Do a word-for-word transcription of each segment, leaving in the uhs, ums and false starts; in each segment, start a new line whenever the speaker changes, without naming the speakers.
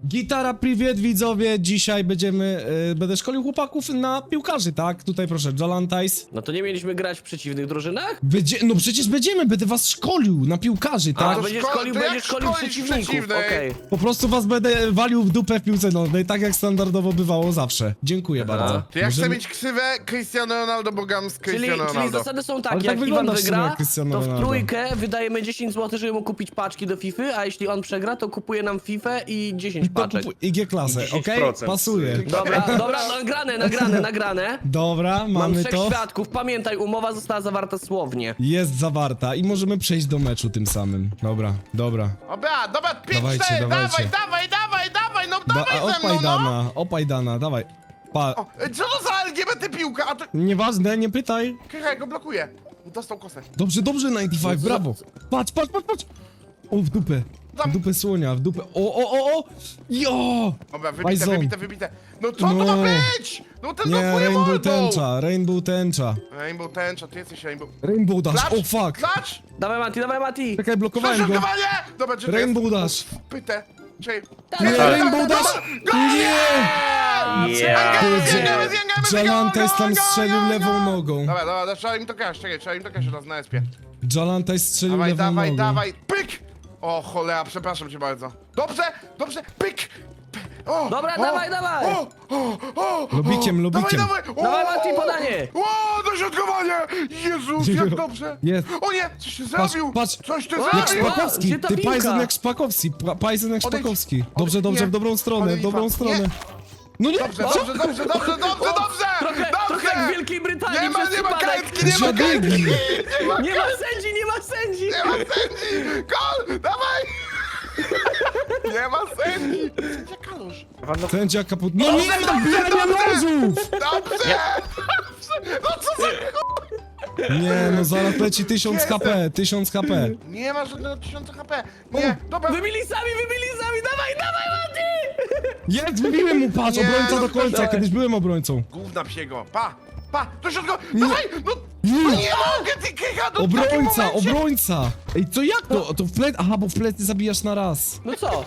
Gitara, priwiet widzowie, dzisiaj będziemy, y, będę szkolił chłopaków na piłkarzy, tak? Tutaj proszę, Jolantais.
No to nie mieliśmy grać w przeciwnych drużynach?
Będzie, no przecież będziemy, będę was szkolił na piłkarzy,
A,
tak?
to będziesz
szko-
szkolił,
to jak
będziesz szkolił
szkolić
przeciwników,
przeciwnych?
okej.
Po prostu was będę walił w dupę w piłce nożnej, tak jak standardowo bywało zawsze. Dziękuję bardzo.
To ja chcę
Możemy-
mieć ksywę Cristiano Ronaldo, bo gram z
Czyli,
Cristiano
czyli
Ronaldo.
zasady są
Ale
takie,
tak
jak Iwan
wyglądasz w sumie
wygra,
jak Cristiano
to w
Ronaldo.
trójkę wydajemy dziesięć złotych, żeby mu kupić paczki do Fify, a jeśli on przegra, to kupuje nam Fifę i dziesięć
To
paczek.
kupuj I G klasę, okej?
dziesięć procent.
Pasuje.
Dobra, dobra, nagrane, nagrane, nagrane.
Dobra,
Mam
mamy
trzech
to.
świadków, pamiętaj, umowa została zawarta słownie.
Jest zawarta i możemy przejść do meczu tym samym. Dobra, dobra.
Dobra, dobra, pięć,
Dawajcie,
cztery,
dawajcie.
dawaj, dawaj, dawaj, dawaj, no
Da,
dawaj
a,
ze mną,
opaj
no!
dana, opaj dana, dawaj. Pa,
O, co to za L G B T piłka? A to...
nieważne, nie pytaj.
Krycha, go blokuje. Dostał kosę.
Dobrze, dobrze, dziewięćdziesiąt pięć, brawo. Patrz, patrz, patrz, patrz. O, w dupę. W dupę słonia, w dupę. O, o, o, o! Jo!
Dobra, wybite,
Bajzon.
wybite, wybite. No co
No.
to ma być? No ten
Nie,
blokuje
Rainbow
mordą.
tęcza, Rainbow tęcza.
Rainbow tęcza, ty jesteś Rainbow.
Rainbow dash,
Klacz,
o fuck.
klacz!
Dawaj Mati, dawaj Mati!
Czekaj, blokowałem go.
Przeszukowanie! Dobra, czy to
Rainbow
jest...
dash.
Pytę. Czekaj.
Nie,
Dobra,
Rainbow
dobra,
dash.
dobra.
Nie!
Yeah.
Jalantais tam strzelił
go,
lewą
go.
nogą.
Dobra, dobra, dobra, trzeba im to kaść, czekaj, trzeba im to kaść teraz na espie.
Jalantais strzelił
Dawaj,
lewą
dawaj,
nogą.
dawaj, pyk! O cholera, przepraszam cię bardzo. Dobrze, dobrze, pyk! Py- O,
Dobra,
o,
dawaj, dawaj.
O, o, o,
Lubikiem,
o,
lubikiem.
Dawaj, dawaj, o,
Dawaj Mati, podanie!
O, dośrodkowanie! Jezus, jak dobrze!
Jest.
O nie, coś ty
Patrz,
zrobił!
patrz.
Coś ty
Jak
Jak
zrobił!
Szpak-
Szpakowski,
Gdzie ta
ty
piłka?
Pajzen jak Szpakowski, Pa- Pajzen jak
Odejdź.
Szpakowski. Dobrze,
Odejdź,
dobrze,
nie.
w dobrą stronę, w
Odejdź,
dobrą
pan.
stronę.
Nie.
No nie,
Dobrze, dobrze, dobrze, dobrze, dobrze, dobrze!
Trochę,
dobrze.
trochę jak w Wielkiej Brytanii
Nie ma,
przez
nie ma
przypadek.
karetki, nie ma
Dziadygi.
karetki! Nie ma,
Nie ma sędzi, nie ma sędzi!
nie ma sędzi! Gol! Dawaj! Nie ma sędzi! Gdzie Kalusz?
Sędzia kaput... No nie,
Dobrze,
dobijania
dobrze.
nożów!
Dobrze! No co za...
Nie, no zaraz leci tysiąc H P, tysiąc H P.
Nie ma żadnego tysiąca H P! Nie, dobra!
Wybili sami, wybili sami, dawaj, dawaj Mati!
Jest, wybiłem mu, patrz,
Nie,
obrońca
no
do końca,
dawaj.
kiedyś byłem obrońcą.
Gówna psiego! Pa! Pa! Do środka! Dawaj! No, no
Nie.
nie mogę, ty Krycha! No w takim
Obrońca,
momencie-
obrońca! Ej, co jak to? To w plec... Aha, bo w plecy zabijasz na raz.
No co?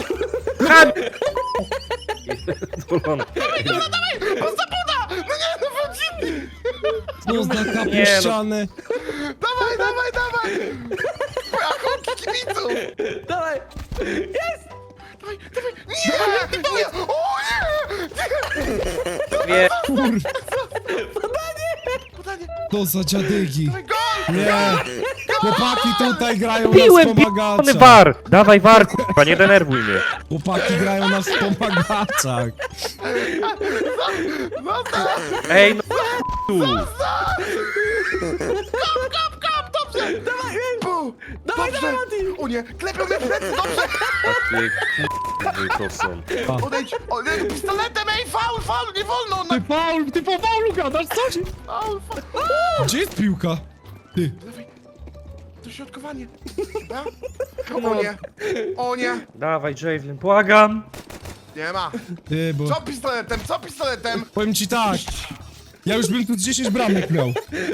Poda! No nie, no wrócimy!
No za
Nie,
kapuszczane.
Dawaj, dawaj, dawaj! Rachunki kibiców!
Dawaj! Jest!
Dawaj, dawaj! Nie! Nie! O nie!
Nie.
Kur...
Podanie!
To za dziadygi.
Dawaj, gol!
Nie! Chłopaki tutaj grają
Piłem,
na
piony
wspomagaczach.
war! Dawaj war, kurwa, nie denerwuj mnie.
Chłopaki grają na wspomagaczach.
Ej, no tu.
Kap, kap, dobrze! Dawaj, bu!
Dawaj,
Dobrze!
dawaj, Mati!
O nie, klepią mnie w plecy, dobrze!
Ty kurwy to są.
Odejdź! O, nie, pistoletem, ej, faul, faul, nie wolno! No,
Ty faul, ty po faulu gadasz, coś?
faul, faul!
Gdzie jest piłka? Ty.
Dawaj, dośrodkowanie! Dobra? O nie, o nie!
Dawaj, Javelin, błagam.
Nie ma!
Ty, bo...
Co pistoletem, co pistoletem?
Powiem ci tak. Ja już bym tu z dziesięć bramek miał.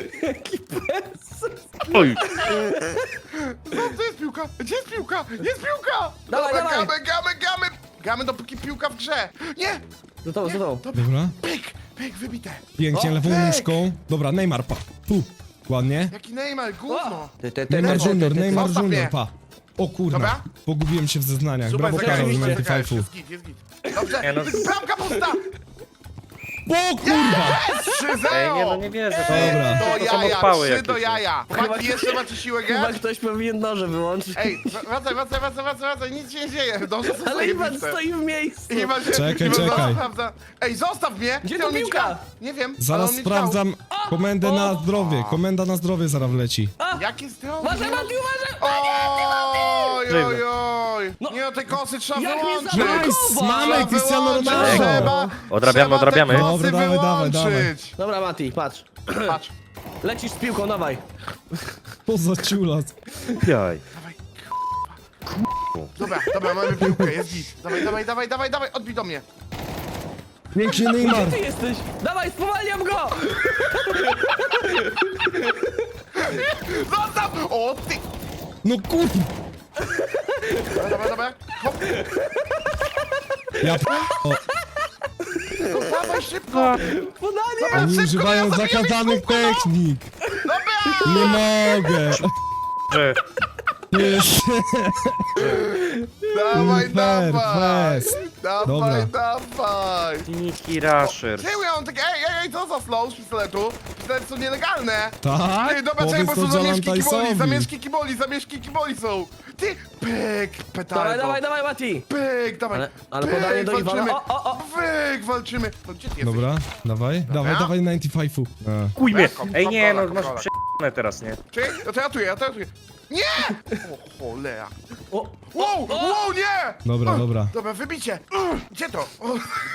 Oj.
Co, gdzie jest piłka? Gdzie jest piłka? Jest piłka!
Dawaj,
Dobra,
dawaj.
Gamy, gamy, gamy! Gamy dopóki piłka w grze! Nie!
Za to, za to.
Dobra.
Pyk, pyk, wybite!
Pięknie,
O,
lewą
pyk.
nóżką. Dobra, Neymar, pa. Tu. Ładnie.
Jaki Neymar, gówno!
Ty, ty, ty,
Neymar
ty, ty,
Junior,
ty, ty.
Neymar
Zostaw
Junior,
mnie.
pa. O kurna.
Dobra.
Pogubiłem się w zeznaniach.
Super,
Brawo
zagrałeś,
Karol,
zagraliście,
Menty
zagrałeś,
Fajfu.
jest git, jest git. Dobrze,
Nie, no-
bramka pusta!
O kurwa!
trzy zero!
Ej, nie, no nie wierzę. To,
Dobra.
Do
to są
jaja,
odpały
trzy do
jakieś.
jaja! Chłopaki, jeszcze macie siłę
Chyba
grać?
ktoś powinien noże wyłączyć.
Ej, wracaj, wracaj, wracaj, wracaj, wracaj, nic się nie dzieje, dobrze są
Ale Iwan
zajebiste.
stoi w miejscu.
Iwan się,
Czekaj,
Iwan
czekaj.
sprawdza. Ej, zostaw mnie!
Gdzie
Ty,
ta
on nie
piłka?
działa. Nie wiem, ale
Zaraz
on nie
sprawdzam komendę na zdrowie. Komenda na zdrowie zaraz wleci.
działa. Jakie zdrowie?
Uważaj Mati, uważaj!
Oj, oj, oj!
No.
Nie, no tej kosy trzeba
Jak mnie
wyłączyć!
zablokował?
Nice! Mamy
Trzeba
Cristiano
wyłączyć,
Ronaldo!
Trzeba,
Odrabiamy,
trzeba
odrabiamy.
te kosy
Dobra, dawaj, dawaj, dawaj.
wyłączyć.
Dobra Mati, patrz.
Patrz.
Lecisz z piłką, dawaj.
Poza ciulas.
Jaj.
Dobra, dobra, mamy piłkę, jest git. Dawaj, dawaj, dawaj, dawaj, dawaj, odbij do mnie.
Pięknie Neymar.
Ty jesteś! Dawaj, spowalniam go!
Zostaw! O, ty!
No kurwa.
Dobra, dobra, dobra. Hop.
Ja p... o,
No dawaj szybko!
Podanie!
oni
szybko,
używają
ja zabiję
zakazanych
kółko, no.
technik.
Dobra!
Nie mogę.
Że
Jest.
Dawaj,
Fair,
dawaj!
fest.
Dawaj,
Dobra.
dawaj!
Niki Rusher.
Czemu ja mam takie, ej, ej, ej, co za slow z pistoletu? Pistolety są nielegalne!
Tak?
Ty, dobra, czekaj, bo
Powiedz
są
to
zamieszki kiboli,
Jalantajsowi.
zamieszki kiboli, zamieszki kiboli są! Ty, pyk, petardo!
Dawaj, dawaj, dawaj, Mati!
Pyk, dawaj!
Ale- ale
pyk,
podanie do Iwana.
walczymy.
O, o, o.
Pyk, walczymy! No gdzie ty jesteś?
Dobra, dawaj, dawaj, dawaj dziewięćdziesiąt pięć. A.
Kuj mnie.
Kom-
Ej, nie, no
kontrola,
masz
kontrola.
prze***ne teraz, nie?
Czekaj, ja to ratuję, ja to ratuję. Nie! O cholera.
O,
Wow, wow, nie!
Dobra,
Ugh,
dobra.
Dobra, wybicie. Ugh, Gdzie to? O,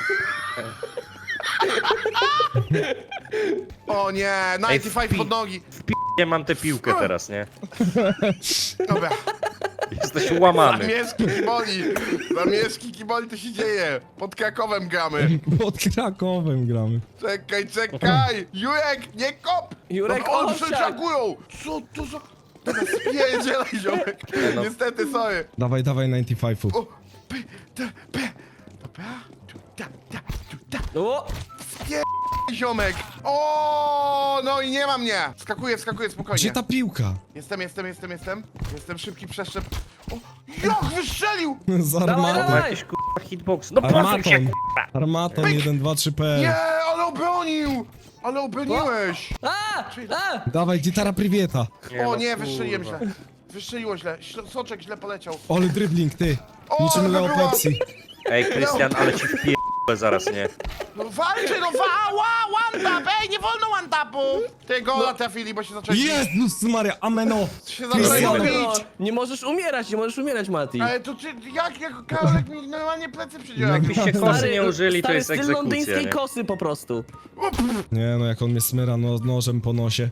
o nie, dziewięćdziesiąt pięć
wpi-
pod nogi.
Nie mam tę piłkę teraz, nie?
Dobra,
Jesteś łamany.
zamieszki kiboli. Zamieszki kiboli to się dzieje. Pod Krakowem gramy.
Pod Krakowem gramy.
Czekaj, czekaj! Jurek, nie kop!
Jurek,
no, on
owsiak!
przeczakują! Co to za... Dobra, spierdzielaj, ziomek.
no.
Niestety, sorry.
Dawaj, dawaj dziewięćdziesiąt pięć.
O, p, t, p. Dobra. Tu, ta, ta, tu, ta.
o!
Ziomek! O, no i nie ma mnie! Skakuję, skakuję, spokojnie.
Gdzie ta piłka?
Jestem, jestem, jestem, jestem. Jestem szybki przeszczep. O, jak wystrzelił!
Z
Dawaj,
armatą.
Ma
dawaj.
jakiś kurwa hitbox. No posuń się,
Armatą.
kurwa.
Armatą jeden, dwa, trzy P.
Nie, ale obronił! Ale obroniłeś!
A! A!
Dawaj, gitara priwieta.
Nie,
O
no,
nie, wystrzeliłem
kurwa.
źle. Wystrzeliło źle. Śl- Soczek źle poleciał.
Ole dribbling, ty.
O,
Niczym
ale
Leo
była-
Pepsi.
Ej, Krystian, ale ci wpierdolę zaraz, nie?
No walczy, no wa, wa, one tap! Ej, nie wolno one tapu! Ty gola trafili, bo się zaczęli...
Jezus Maria, ameno.
Się zaczęli
Krystian.
No,
bić!
nie możesz umierać, nie możesz umierać, Mati.
Ale to ty, jak, jak Karolek mi normalnie plecy przydziela?
Jakbyście kosy nie użyli, to
stary
jest
styl
egzekucja,
londyńskiej
nie?
kosy po prostu.
Nie no, jak on mnie smyra no, nożem po nosie.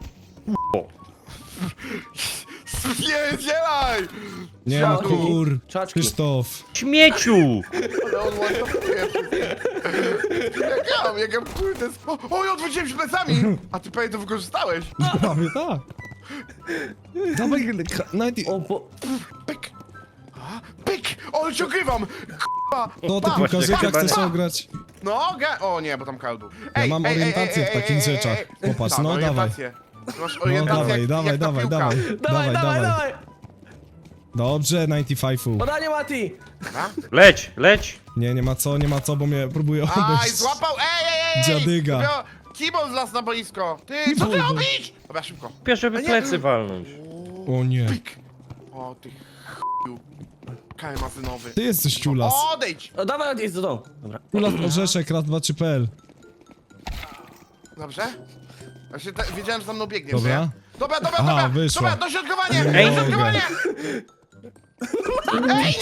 Spierdzielaj!
Nie no,
Siadu.
kur...
Czaczki.
Krzysztof.
Śmieciu!
Ale on łatwuje wszystko. Jak ja, jak ja kurde... O, o, ja odwróciłem się plecami! A ty pewnie to wykorzystałeś.
Prawie tak. Dawaj, Nighty...
O, bo...
Pyk! A, pyk! O, ale cię ogrywam! K***a!
No to
Pa!
piłkarzyka
chyba
chcesz
nie.
ograć?
No, ga... O nie, bo tam kaldu.
Ja mam orientację w takich rzeczach. Popatrz,
Tak,
no,
orientację. Masz
No
orientację
dawaj,
jak,
dawaj,
jak ta
dawaj,
piłka.
dawaj.
Dawaj, dawaj, dawaj!
Dobrze, dziewięćdziesiąt pięć.
Podanie, Mati!
Dobra.
Leć, leć!
Nie, nie ma co, nie ma co, bo mnie próbuje
Aj,
obejść.
złapał! Ej, ej, ej!
Dziadyga.
Dobra, Kibol zlas na boisko! Ty, co ty
Kibol.
robisz? Dobra, szybko.
Pierwsze żeby
A nie.
plecy walnąć.
O nie.
Pyk! O, ty ch***u. Karmazynowy.
Ty jesteś ciulas.
Odejdź!
O, dawaj, jest do domu. Dobra.
Ciulas orzeszek, raz, dwa, trzy P L.
Dobrze? Właśnie te, wiedziałem, że za mną biegniesz,
Dobra.
nie? Dobra, dobra,
Aha,
dobra!
wyszła.
Dobra, dośrodkowanie!
Nie mogę.
Dośrodkowanie! Ej,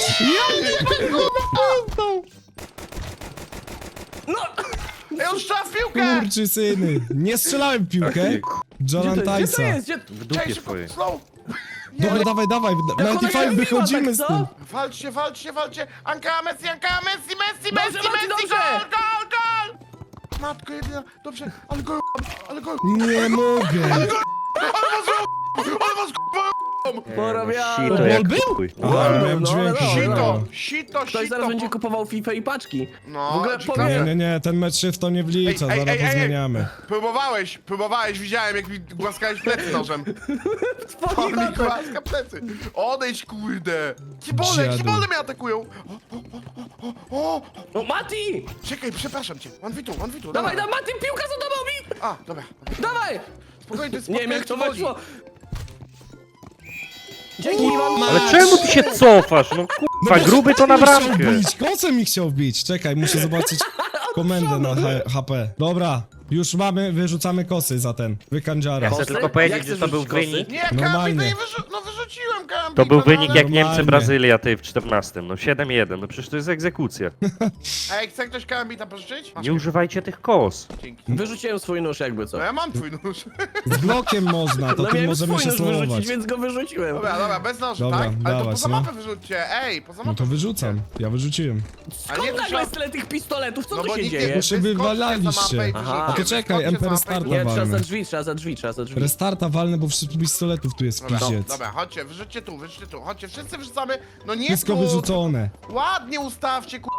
No!
Ej, on strzela w piłkę!
Kurczy syny. Nie strzelałem w piłkę.
Taki
Jolan
Gdzie to
Tysa.
jest? Gdzie...
w
Czekaj,
dupie
szybko,
twojej.
slow!
Dobra, dawaj, dawaj.
ona
dziewięćdziesiąt
się
pięć,
odbiła,
wychodzimy
tak,
z
co?
tym.
Walczcie, walczcie, walczcie! Anka, Messi, Anka, Messi, Messi,
Dobrze,
Messi,
Mati,
Messi,
dobrze!
gol, gol, gol! Matko jedyna, dobrze, ale gol, ale gol,
Nie mogę.
ale was k***a,
Porobiałem.
Sito
Bol
jak
był?
chuj.
A,
No,
miałem
no,
dźwięki.
no,
Sito,
no.
sito,
Ktoś
sito.
zaraz będzie kupował FIFA i paczki.
No,
W ogóle
ci
powiem-
Nie,
klatę.
nie, nie, ten mecz się w to nie wlicza,
Ej, ej,
zaraz
ej, ej.
pozmieniamy.
Próbowałeś, próbowałeś, widziałem jak mi głaskałeś plecy nożem. On mi głaska plecy. Odejdź, kurde. Kibole,
Dziadu.
kibole mnie atakują. O, o, o, o, o.
O, Mati!
Czekaj, przepraszam cię. One v two, one v two,
Dawaj,
dawaj.
dawaj, Mati, piłka za tobą mi!
A, dobra.
Dawaj!
Spokojnie, to jest
Nie wiem jak to
spotkanie
weszło.
kiboli.
Dzięki, Iwan.
Ale czemu ty się cofasz? No kurwa, gruby to na
Kosem mi
bramkę.
chciał bić, Kosem mi chciał bić. Czekaj, muszę zobaczyć komendę na H- HP. Dobra, już mamy, wyrzucamy kosy za ten. Wykandziara.
Ja chcę
Kosy?
tylko powiedzieć,
Jak
że
chcesz
to był
rzucić kosy?
wynik.
Nie, Karambit,
Normalnie.
no nie wyrzu no wyrzuciłem Karambit.
To był
no,
wynik
ale-
jak Niemcy,
Normalnie.
Brazylia, ty w czternastym. No siedem jeden, no przecież to jest egzekucja.
Ej, chce ktoś Karambita pożyczyć? Masz,
Nie używajcie tych kos.
dzięki.
Wyrzuciłem swój nóż jakby co.
No ja mam twój nóż.
Z blokiem można, to
No
tym
miałem
możemy
swój
się
nóż
slowować.
wyrzucić, więc go wyrzuciłem.
Dobra, dobra, bez noży,
Dobra,
tak? Ale to
dawać,
poza
no.
mapę wyrzućcie, ej, poza mapę
No to wyrzucam, ja wyrzuciłem.
A nie,
Skąd
to
nagle
trzeba...
jest tyle tych pistoletów? Co
No
tu
bo
się
nikt nie-
dzieje?
Bo się
wyskoczcie za
wywalaliście.
mapę i
Aha.
wyrzućcie.
A to czekaj,
Wyskoczcie za
Emperor
mapę i
Starta
Nie, trzeba
walmy.
za drzwi, trzeba za drzwi, trzeba za drzwi.
Restarta walnę, bo wszystkich pistoletów tu jest
Dobra,
pizdziec.
dobra, chodźcie, wyrzućcie tu, wyrzućcie tu, chodźcie, wszyscy wyrzucamy, no nie
Wszystko
tu.
wyrzucone.
Ładnie ustawcie, ku...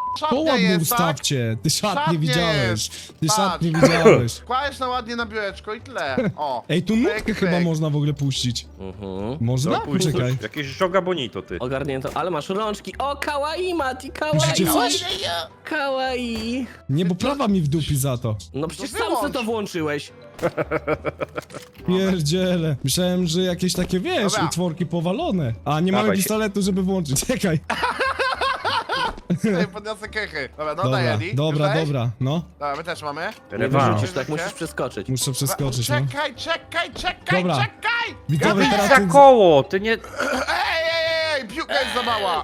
To
szatnia
ładnie
jest, tak?
ustawcie. Ty szat nie
Szatnie
widziałeś. Ty
Patrz.
szat nie widziałeś.
Kładziesz na ładnie na biureczko i tyle. O.
Ej, tu nutkę
pyk,
chyba
pyk.
można w ogóle puścić.
Mhm.
Można?
No, pójdź,
Poczekaj.
jakieś żoga bonito, ty.
Ogarnięto, ale masz rączki. O, kawaii, Mati,
Widzicie
kawaii.
coś?
Kawaii.
Nie, bo prawa mi wdupi za to.
No przecież
To
sam
wyłącz.
sobie to włączyłeś.
Pierdziele. Myślałem, że jakieś takie, wiesz,
Dobra.
utworki powalone. A nie mamy
Dawaj się.
pistoletu, żeby włączyć. Czekaj.
Ej, podniosę kechy. Dobra, no
Dobra,
daj Eddie.
dobra,
Już dajesz?
dobra. No,
Dobra, my też mamy.
Nie
Rewanż.
wyrzucisz, tak musisz przeskoczyć.
muszę przeskoczyć, no.
Czekaj, czekaj, czekaj,
Dobra.
czekaj!
Widzowie,
Wyjdź
teraz
za
ten...
koło, ty nie...
Ej, ej, ej, piłka jest za mała.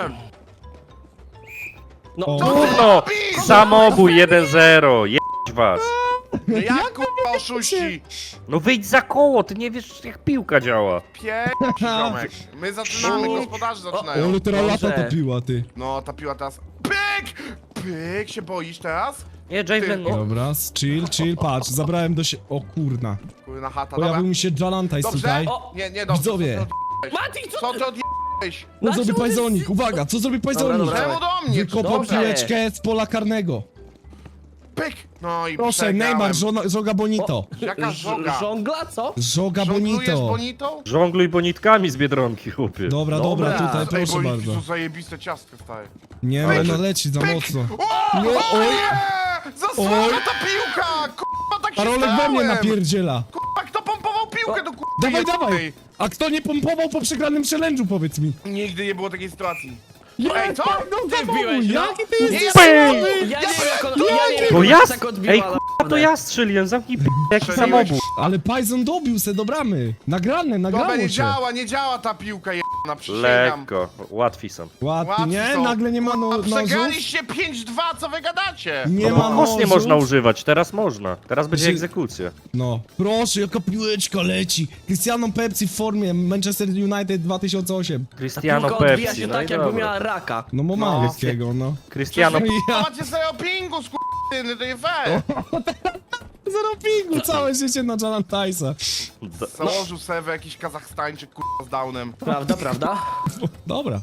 No,
O.
to-
Trudno!
robisz?
Samobój jeden zero, jedź was.
No jak kurwa oszuści?
No wyjdź za koło, ty nie wiesz jak piłka działa.
Piękny ziomek. My zaczynamy, gospodarze
O,
zaczynają.
ale teraz lata
Dobrze.
to piła, ty.
No, ta piła teraz... Pyk! Pyk, się boisz teraz?
Nie, Javelin,
Ty,
nie.
Dobra, chill, chill, patrz, zabrałem do się... O kurna.
Kurna chata,
Pojawił
dobra.
mi się Jalantajs
Dobrze?
tutaj.
O, nie, nie, dobrze.
Widzowie.
Co ty odjebałeś?
Mati, co
Co
ty?
ty odjebałeś?
Co
Dlaczego
zrobi
ty-
Pajzonik? Uwaga, co zrobi Pajzonik?
dobra.
Czemu do mnie?
Wykopał
Dobrze.
piłeczkę z pola karnego.
Pyk! No i
Proszę,
przegrałem.
Neymar, żona, żoga bonito.
Jaka
Ż-
żoga?
Żongla, co?
Żoga
Żonglujesz
bonito.
bonitą?
Żongluj bonitkami z Biedronki, chłopie.
Dobra, dobra,
Dobra.
tutaj,
Ej,
proszę
bonitki
bardzo.
są zajebiste ciastka, stary.
Nie,
Pyk,
no leci za
pyk.
mocno.
O,
Nie,
o
oj.
nie! Zasłona
Oj.
ta piłka! Kurwa, tak się
Karolek we mnie
stałem!
napierdziela.
Kurwa, kto pompował piłkę do kurwa
Dawaj,
jednej?
dawaj! A kto nie pompował po przegranym challenge'u, powiedz mi?
Nigdy nie było takiej sytuacji.
Ja,
Ej, co?
No,
Ty
zawołuj,
wbiłeś, no.
jaki ty
Nie,
jesteś
ja-
słaby?
Ja nie wiem jak on, ja nie wiem
To
jak
ja...
on tak odbiła,
Ej, k***a, to ja strzeliłem, zamknij p***, jaki
Strzeliłeś.
samobój.
Ale Pajzon dobił se do bramy. Nagrane,
Dobra,
nagrało
nie
się.
działa, nie działa ta piłka jedna, przysięgam.
Lekko, łatwi są.
Łatwy,
Łatwi
nie?
są.
Nagle nie ma no,
A
nożów.
przegraliście pięć dwa, co wy gadacie?
Nie
No
ma
bo kos nie
nożów.
można używać, teraz można. Teraz będzie
Znaczy-
egzekucja.
No, proszę, jaka piłeczka leci. Cristiano Pepsi w formie Manchester United dwa tysiące osiem.
Cristiano
Piłka odbija
Pepsi,
się
no i
tak jakby
dobra.
miała raka.
No bo
No.
malutkiego, no.
Cristiano...
To
Ja
macie sobie o pingu, skurtyny, to nie fair.
zero pingu, całe życie na Jalantajsa.
Założył sobie jakiś Kazachstańczyk, kurwa, z downem.
Prawda, prawda?
Dobra.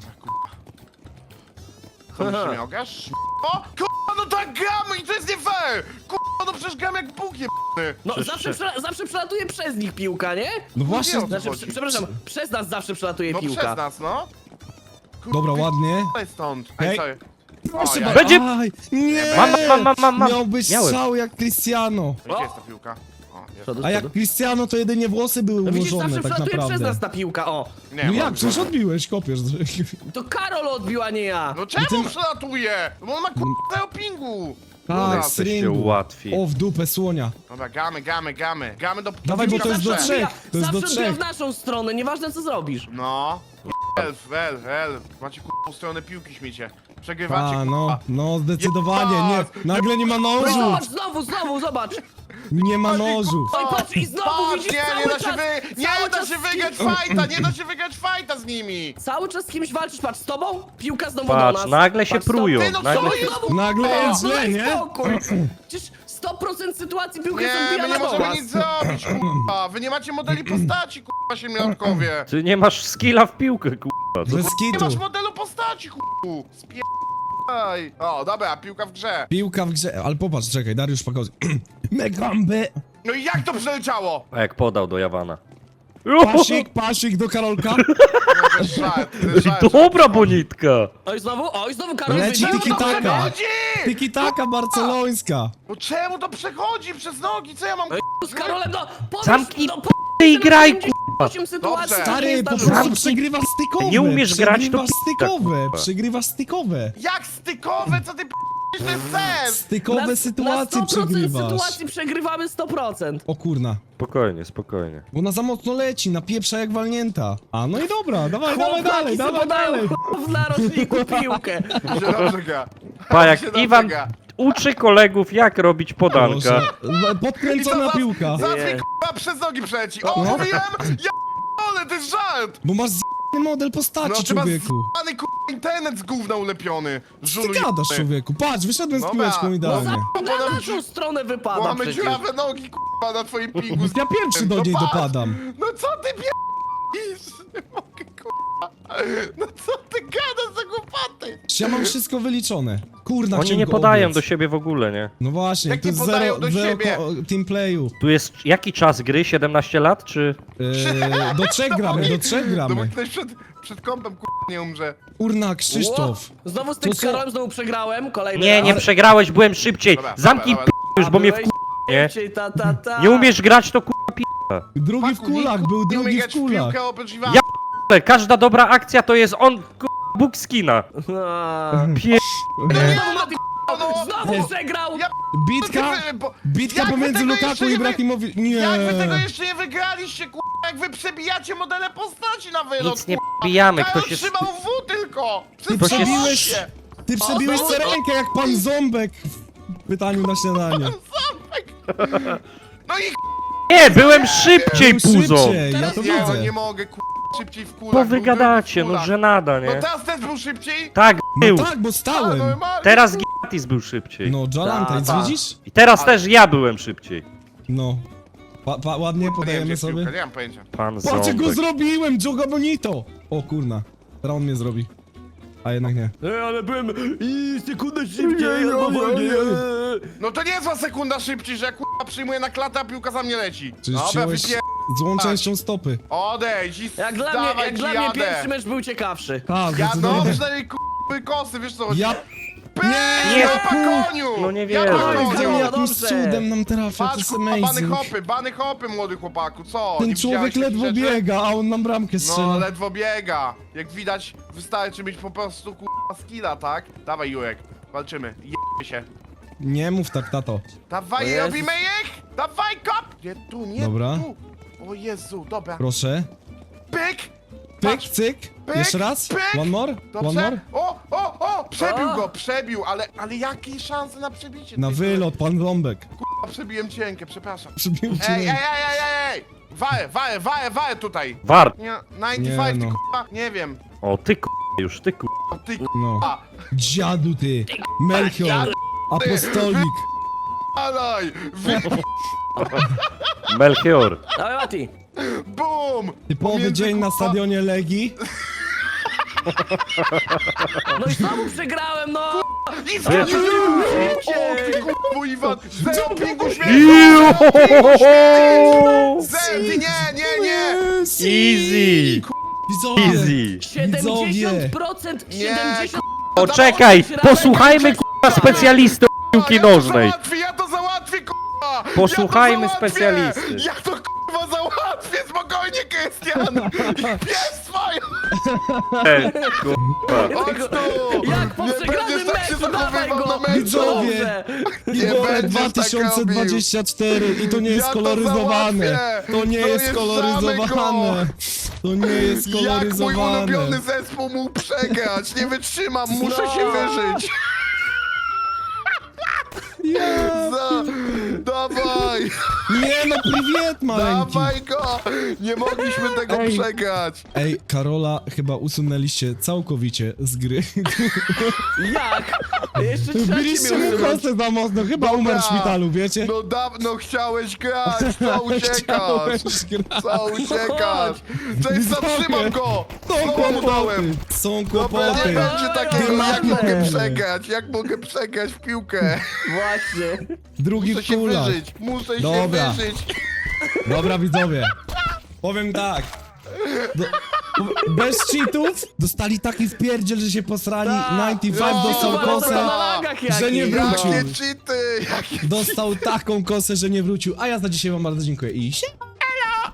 Co mi się miałgasz? O, kurwa, no tak gramy i to jest nie fair! Kurwa, no przecież gram jak Bóg jebany.
No
Przecież-
zawsze, przela- zawsze przelatuje przez nich piłka, nie?
No właśnie,
wiem.
Znaczy,
chodzi?
prze- przepraszam, przez nas zawsze przelatuje
No
piłka.
przez nas, no. Kurwa,
dobra, ładnie.
Ej, stąd.
Ej.
Ej, sorry.
Proszę
ja-
bardzo.
Będzie-
Aj, nie!
Mam, mam, mam, mam, mam.
Miał być
Miałem.
strzał jak Cristiano.
Gdzie jest ta piłka? O, jest.
Przodu,
A jak
przodu.
Cristiano to jedynie włosy były
No widzisz,
ułożone
zawsze
tak
przelatuje przez
naprawdę.
nas ta piłka, o.
Nie,
No
mam-
jak? Przecież odbiłeś, kopiesz.
To Karol odbił, a nie ja.
No czemu
ty-
przelatuje? Bo on ma kurwa o pingu.
Tak,
Dobra.
z
Jesteście
ringu.
łatwi.
O, w dupę słonia.
Dobra, gamy, gamy, gamy. Gamy do...
Dawaj, bo to jest do
zawsze.
trzech. To jest do
zawsze odbija
trzech.
w naszą stronę, nieważne co zrobisz.
No. Elf, elf, elf. Macie kurwa stronę piłki, śmiecie. Przegrywacie,
A, no,
kurwa.
no, zdecydowanie, nie.
Jebać!
Nagle nie ma
No i
nożu.
zobacz, znowu, znowu, zobacz.
Nie ma nożu.
No i patrz, i znowu
Patrz,
widzisz
nie,
cały
nie da się
czas,
wy... Nie
cały
da
czas
się
z kim-
wygrać fajta, nie da się wygrać fajta z nimi.
Cały czas z kimś walczysz, patrz, z tobą? Piłka znowu
Patrz,
do nas.
nagle się
Patrz, z tobą.
prują,
Ty, no
nagle
co
się...
jest?
Znowu-
Nagle
O,
jest źle,
daj
nie?
spokój. Przecież sto procent sytuacji piłka jest
Nie,
odbijana
my nie
do
możemy
was.
nic zrobić, kurwa. Wy nie macie modeli postaci, kurwa, siemiarkowie.
Ty nie masz skilla w piłkę, k***a. Co
Bez
Nie masz
kitu.
modelu postaci, kurwa. Spierdaj. O, dobra, piłka w grze.
Piłka w grze, ale popatrz, czekaj, Dariusz Pakozy. Megambe.
No i jak to przeleciało?
A jak podał do Jawana.
Pasik, pasik do Karolka.
No, to jest żart, to jest żart.
Dobra bonitka.
Oj, znowu, oj, znowu Karol
Leci
wybił.
tiki taka.
Przechodzi!
Tiki taka barcelońska.
No czemu to przechodzi przez nogi? Co ja mam
Oj, z Karolem, no, powiedz,
Zamknij
no,
p***y i graj,
osiem sytuacji,
Dobrze.
które nie
Stary, po
zdarzyły.
prostu
Zamknij-
przegrywasz stykowe.
Nie umiesz grać, to
Przegrywasz
p***a,
stykowe,
kurwa.
przegrywasz stykowe.
Jak stykowe? Co ty p***? To jest sens!
Stykowe
Na-
sytuacje
na sto procent
przegrywasz.
sytuacji przegrywamy sto procent.
O kurna.
Spokojnie, spokojnie.
Bo ona za mocno leci, napieprza jak walnięta. A no i dobra, dawaj, dawaj
Chłopaki
dalej,
sobie
dawaj
podają
dalej.
w narożniku piłkę.
Mi się dobrze gra.
Pa,
Mi
jak
się dobrze
Iwan
gra.
uczy kolegów, jak robić podanka.
Proszę. Podkręcona
I to
piłka.
Zaraz mi
Nie.
k***a przez nogi przeleci. O,
No.
mówiłem? Ja ale to jest żart!
Bo masz z***ny model postaci,
No ty masz
człowieku.
z***ny k***a internet z gówna ulepiony.
Ty
Żulu
gadasz,
jebany.
człowieku. Patrz, wyszedłem z
Dobra.
piłeczką
No
idealnie.
za na naszą stronę wypada
Mamy
przecież.
dziurawe nogi k***a na twoim pingu.
Ja pierwszy do
No
niej
patrz.
dopadam.
No co ty p***isz? Nie mogę k***a. No co ty gadasz za głupoty?
Ja mam wszystko wyliczone. Kurna,
Oni
chciałem
nie
go
podają
obiec.
do siebie w ogóle, nie?
No właśnie,
Jak
to
nie
jest
podają
zero,
do
zero
siebie?
ko- teamplayu.
Tu jest jaki czas gry? siedemnaście lat, czy...
Yy, do trzech gramy, do trzech
No bo
gramy.
ktoś przed, przed kąpem k***, nie umrze.
Kurna, Krzysztof.
Ło, Znowu z tym
To co?
Karolem znowu przegrałem, kolejny
Nie,
raz.
nie przegrałeś, byłem szybciej.
Dobra,
Zamknij
dobra,
p***
dobra.
już,
A
bo mnie
byłeś
w nie?
szybciej, ta, ta, ta.
Nie umiesz grać, to k***a pi***.
Drugi w
Paku,
kulach,
nikt,
był
nie umie
drugi w
grać w
kulach.
piłkę oprócz Iwana.
Ja p***, każda dobra akcja to jest on, k***a, Bóg skina.
A.
Pie...
No,
Znowu przegrał!
Ja
Bitka,
Wy- bo-
bitka
jak wy
pomiędzy
tego
Lukaku
jeszcze
i
nie wy-
Ibrahimowi... Nie.
Jak wy tego jeszcze nie wygraliście, k***, jak wy przebijacie modele postaci na wylot,
Nic nie
k***a.
bijamy,
Karol
ktoś jest...
trzymał W tylko!
Ty
Ktoś jest-
przebiłeś... Ty przebiłeś
O,
serenkę jak pan Ząbek w pytaniu na śniadanie.
No i
Nie, byłem szybciej,
Był
puzo.
szybciej, ja
Teraz
to
nie, no
widzę.
nie mogę, k***, szybciej w kulach.
Bo
był
wy
drugi
gadacie,
w
no
kulach.
żenada,
No
nie?
teraz też był szybciej?
Tak, był.
No tak, bo
A,
stałem.
normalnie.
Teraz Giatis był szybciej.
No, Jalantajc,
Ta, ta.
widzisz?
I teraz
Ale-
też ja byłem szybciej.
No. Pa, pa, ładnie
Nie wiem,
podajemy
gdzie
sobie.
piłka, nie mam pojęcia.
Pan
Patrz, jak go
Ząbek.
zrobiłem, Joga Bonito! O kurna, teraz on mnie zrobi. A jednak nie.
Ej, ale byłem i sekundę szybciej,
Ojej,
albo
ojej,
wolniej.
ojej.
No to nie jest za sekunda szybciej, że ja k***a przyjmuję na klatę, a piłka za mnie leci.
Czyli
Dobra,
wziąłeś
wypier...
złą częścią stopy.
Odejdź i
Jak dla mnie,
dawaj
jak
ci
dla mnie
jadę.
pierwszy mecz był ciekawszy.
Tak,
Ja no,
zdecydowanie.
przynajmniej k***y kosy, wiesz co chodzi?
Ja...
Pyk,
Nie,
ja
ku-
pa koniu!
no nie
Ja
wierzę.
pa
Ale
koniu!
gdzie on
no
jakimś
dobrze.
cudem nam trafia, to
Patrz,
jest
k***a, bany
amazing.
hopy, bany hopy, młody chłopaku, co?
Ten
Nie
człowiek
widziałeś takich
ledwo
rzeczy?
biega, a on nam bramkę
No,
strzela.
ledwo biega. Jak widać, wystarczy mieć po prostu k***a skilla, tak? Dawaj, Jurek, walczymy, jebmy się.
Nie mów tak, tato.
O
Dawaj,
Jezus.
robimy ich! Dawaj, kop! Nie tu, nie
Dobra.
tu! O Jezu, dobra.
Proszę.
Pyk!
Pyk,
Patrz,
cyk.
pyk,
Jeszcze raz.
pyk.
One more. One
Dobrze?
more.
O, o, o! Przebił
O.
go, przebił, ale, ale jakie szanse na przebicie?
Na
tej
wylot, pan Ząbek.
K***a, przebiłem cienkę, przepraszam.
Przybił cię.
Ej, ej, ej, ej, ej, ej! Wałę, wałę, wałę, wałę tutaj!
War.
Nie, dziewięćdziesiąt pięć,
Nie,
ty
no.
k***a, nie wiem.
O, ty k***, już, ty k***.
O ty
No.
k***a,
Dziadu ty. Melchior. Apostolik.
alaj! Wy...
Melchior.
Dawaj, Mati.
BUM!
Typowy
Pomiędzy,
dzień na
k***a,
stadionie Legii.
No i znowu przegrałem, no!
I
Wiesz-
znowu! O
Szybciej.
ty k***u, Iwan! Zero pingu
Iu!
śmierci! Zero, ty nie, nie, nie!
Easy.
Widzowie.
Easy.
siedemdziesiąt procent,
Nie,
siedemdziesiąt
O, czekaj, posłuchajmy k***a specjalisty od piłki
Ja to
nożnej.
załatwię, ja to załatwię, k***a!
Posłuchajmy
ja to załatwię!
specjalisty.
Ja to k***a załatwię, spokojnie, Krystian! Pies swoją!
Ej, k***a.
Chodź tu!
Jak po
Nie
przegranym
będziesz tak się
meczu, dawaj
zachowywał
go!
na meczu!
Widzowie.
Nie
Igor
będziesz
dwa
tak
tysiące dwadzieścia cztery i to nie jest
Ja to
koloryzowane.
załatwię.
To nie jest
Dojeżdżamy
koloryzowane. To nie jest
Jak mój
koloryzowane.
ulubiony zespół mógł przegrać? Nie wytrzymam, muszę
No.
się wyżyć!
Ja.
Za... Dawaj!
Nie no, priwiet maleńki.
Dawaj go! Nie mogliśmy tego
Ej.
przegrać!
Ej, Karola chyba usunęliście całkowicie z gry.
Jak? Jeszcze trzeci
Biliście mu
miał
kostę za mocno, chyba
Dobra.
umarł w szpitalu, wiecie?
No dawno chciałeś grać, co uciekasz?
Chciałeś grać.
Co uciekasz? Cześć, zatrzymam go!
Są
Znowu mu dałem!
kłopoty, są
Dobra, nie
kłopoty.
będzie takiego, jak
Dymatem.
mogę przegrać? Jak mogę przegrać w piłkę?
Właśnie.
Drugi
Muszę
w
się
kulach.
wyżyć, muszę
Dobra.
się wyżyć!
Dobra, widzowie. Powiem tak. Do, bez cheatów dostali taki wpierdziel, że się posrali.
Tak.
dziewięćdziesiąt pięć dostał
Cheatów,
kosę,
ale to na lagach
że nie
jakich.
wrócił.
Jakie cheaty! Jakie...
Dostał taką kosę, że nie wrócił. A ja za dzisiaj wam bardzo dziękuję i się.